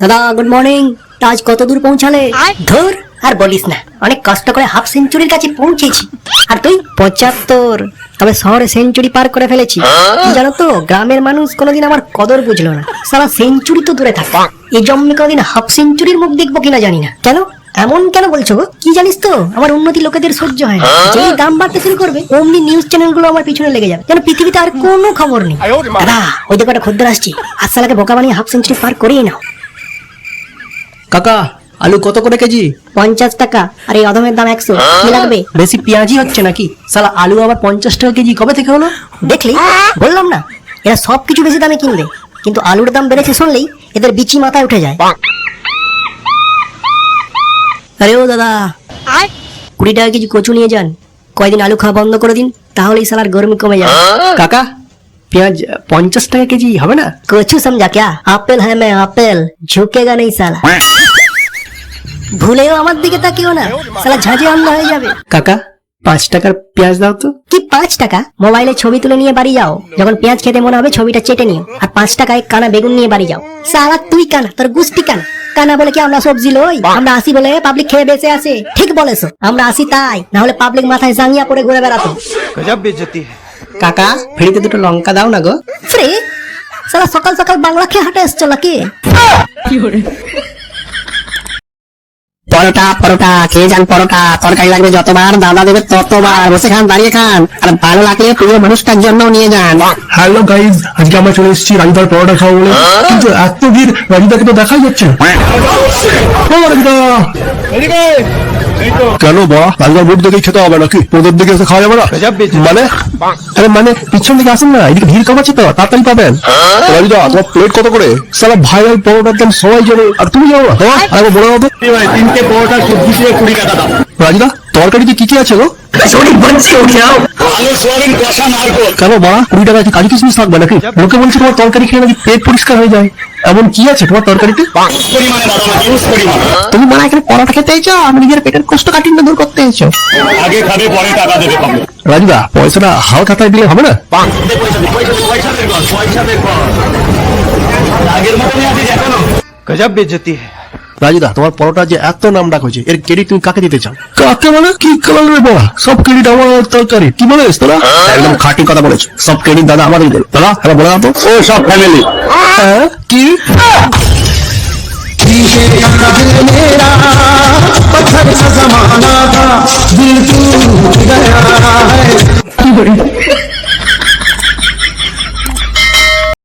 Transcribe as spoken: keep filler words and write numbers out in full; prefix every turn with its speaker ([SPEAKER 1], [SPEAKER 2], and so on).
[SPEAKER 1] দাদা good morning. আজ কত দূর পৌঁছালে? ধর আর বলিস না, অনেক কষ্ট করে হাফ সেঞ্চুরির কাছে পৌঁছেছি। আর তুই? পঁচাত্তর। তবে শহরে সেঞ্চুরি পার করে ফেলেছি। কি জানো তো, গ্রামের মানুষ কোনোদিন আমার কদর বুঝলো না। সারা সেঞ্চুরি তো দূরে থাক, এই জন্মে কোনোদিন হাফ সেঞ্চুরির মুখ দেখবো কিনা জানি না। কেন এমন কেন বলছো গো? কি জানিস তো, আমার উন্নতি লোকেদের সহ্য হয় না। যেই দাম বাড়তে শুরু করবে অমনি নিউজ চ্যানেল গুলো আমার পিছনে লেগে যাবে, যেন পৃথিবীতে আর কোনো খবর নেই। দাদা ওই দেখো একটা খদ্দের আসছি, আসসালাকে বোকা বানিয়ে হাফ সেঞ্চুরি পার করিয়ে নাও।
[SPEAKER 2] কাকা আলু কত করে কেজি?
[SPEAKER 1] পঞ্চাশ টাকা। আর এই অধমের দাম একশো। কি লাগবে?
[SPEAKER 2] বেশি পেঁয়াজি হচ্ছে নাকি? সালা আলু আবার পঞ্চাশ টাকা কেজি কবে থেকে হলো?
[SPEAKER 1] দেখলি, বললাম না এরা সবকিছু বেশি দামে কিনবে, কিন্তু আলুর দাম বেড়েছে শুনলেই এদের বিচি মাথায় উঠে যায়। আরে ও দাদা, কুড়ি টাকা কেজি কচু নিয়ে যান। কয়দিন আলু খাওয়া বন্ধ করে দিন, তাহলেই সালার গরমি কমে যাবে।
[SPEAKER 2] কাকা পেঁয়াজ পঞ্চাশ টাকা কেজি হবে না?
[SPEAKER 1] কচু সমঝা क्या? আপেল হ্যাঁ मैं আপেল, ঝুঁকেগা नहीं साला। ভুলেও আমার দিকে তাকিও না, সালা ঝাঁঝে অন্ধ হয়ে যাবে।
[SPEAKER 2] কাকা পাঁচ টাকার পেঁয়াজ দাও তো।
[SPEAKER 1] কি পাঁচ টাকা? মোবাইলে ছবি তুলে নিয়ে বাড়ি যাও, যখন পেঁয়াজ খেতে মনে হবে ছবিটা চেটে নিও। আর পাঁচ টাকায় কানা বেগুন নিয়ে বাড়ি যাও। সালা তুই কানা, তোর গুষ্টি কানা। কানা বলে কি আমরা সবজি লই? আমরা আসি বলে পাবলিক খেয়ে বেঁচে আসে। ঠিক বলেছো, আমরা আসি তাই, না হলে পাবলিক মাথায় জাঙ্গিয়া পড়ে ঘুরে বেড়াতো।
[SPEAKER 3] गजब बेइज्जती है।
[SPEAKER 2] কাকা ফ্রিতে দুটো লঙ্কা দাও না গো।
[SPEAKER 1] ফ্রি? সালা সকাল সকাল বাংলা খেয়ে হাঁটে এসছো নাকি?
[SPEAKER 4] পরোটা পরোটা খেয়ে যান, পরোটা তরকারি লাগবে যতবার দাদা দেবে ততবার, বসে খান দাঁড়িয়ে খান, আর ভালো লাগলে প্রিয় মানুষটার জন্য নিয়ে যান।
[SPEAKER 5] হ্যালো গাইজ, আজকে আমরা চলে এসেছি রাজুদার পরোটা খাবো বলে, কিন্তু এত ভিড় রাজুদাকে তো দেখাই যাচ্ছে না। ও রাজুদা! কেন বা রাজুদার মুখ দেখেই খেতে হবে নাকি? তোদের দিকে এসে খাওয়া যাবে না?
[SPEAKER 3] गजब बेइज्जती।
[SPEAKER 5] মানে আরে মানে পিছন দিকে আসেন না, এদিকে ভিড় কমাচ্ছে তো, তাড়াতাড়ি পাবেন। রাজুদা তোমার প্লেট কত করে? সালা ভাইরাল পরোটার দাম সবাই জানে, আর তুমি জানো না? তোমার আরে বড় হবে তিনটে পরোটা সবজি দিয়ে কুড়ি টাকা দাম। রাজুদা তরকারিতে কি কি আছে গো? কেন বা কুড়ি টাকা কি কাজু কিশমিশ থাকবে নাকি? লোকে বলছে তোমার তরকারি খেয়ে নাকি পেট পরিষ্কার হয়ে যায়। এমন কি আছে তোমার তরকারিতে?
[SPEAKER 4] তুমি মনে হয় এখানে পরোটা খেতে এসেছো, আমি নিজের পেটের কষ্ট কাঠিন্য দূর করতে এসেছো।
[SPEAKER 6] আগে খাবে পরে টাকা দেবে পাবে।
[SPEAKER 5] রাজুদা পয়সাটা হাল খাতায় দিলে হবে না?
[SPEAKER 3] गजब बेइज्जती है।
[SPEAKER 5] রাজুদা তোমার পরোটা যে এত নাম ডাক হয়েছে, এর ক্রেডিট তুমি কাকে দিতে চাও? কাকে মানে কি কালার বলা? সব ক্রেডিট আমার তরকারি। কি বলেছ তোরা? একদম খাঁটি কথা বলেছ, সব ক্রেডিট দাদা আমারই দেবে। দাদা এবার বলে দাও তো।
[SPEAKER 6] ও সব ফ্যামিলি।
[SPEAKER 5] হ্যাঁ কি?